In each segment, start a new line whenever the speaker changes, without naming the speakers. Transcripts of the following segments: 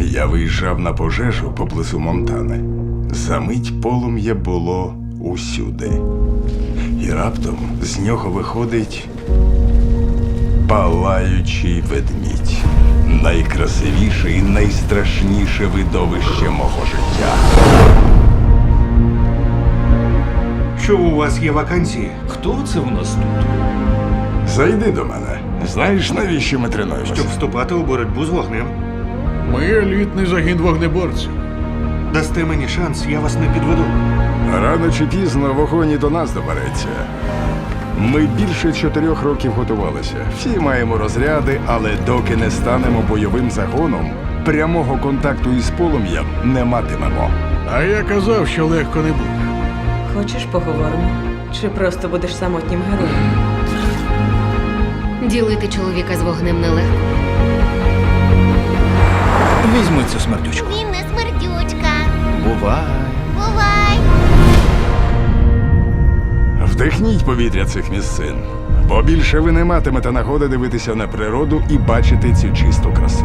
Я виїжджав на пожежу поблизу Монтани. Замить полум'я було усюди. І раптом з нього виходить палаючий ведмідь. Найкрасивіше і найстрашніше видовище мого життя.
Що у вас є вакансії?
Хто це в нас тут?
Зайди до мене. Знаєш, навіщо ми тренуємося?
Щоб вступати у боротьбу з вогнем.
Ми елітний загін вогнеборців.
Дасте мені шанс, я вас не підведу.
Рано чи пізно вогонь і до нас добереться. Ми більше 4 років готувалися. Всі маємо розряди, але доки не станемо бойовим загоном, прямого контакту із полум'ям не матимемо.
А я казав, що легко не буде.
Хочеш, поговоримо? Чи просто будеш самотнім героєм?
Ділити чоловіка з вогнем нелегко.
Візьми цю смердючку.
Він не смердючка.
Бувай.
Бувай!
Вдихніть повітря цих місцин, бо більше ви не матимете нагоди дивитися на природу і бачити цю чисту красу.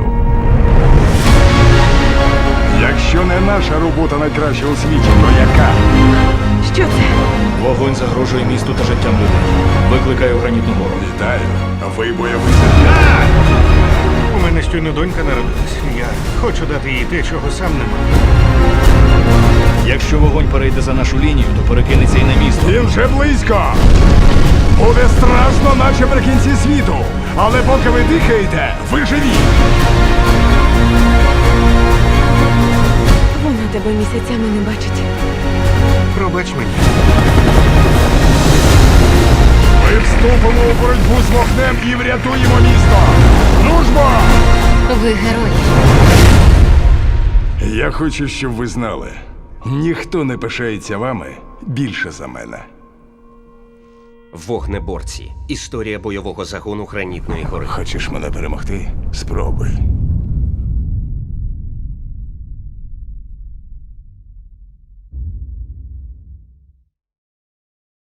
Якщо не наша робота найкраща у світі, то яка?
Що це?
Вогонь загрожує місту та життям людей. Викликаю гранітну гору.
Вітаю, ви бойовий загін.
У мене щойно донька народилась. Я хочу дати їй те, чого сам не маю.
Якщо вогонь перейде за нашу лінію, то перекинеться і на місто.
Він вже близько! Буде страшно, наче при кінці світу. Але поки ви дихаєте, ви живі!
Вона тебе місяцями не бачить.
Пробач мені.
Ми вступимо у боротьбу з вогнем і врятуємо місто! Дружбо!
Ви герої.
Я хочу, щоб ви знали. Ніхто не пишається вами більше за мене.
Вогнеборці. Історія бойового загону Гранітної гори.
Хочеш мене перемогти? Спробуй.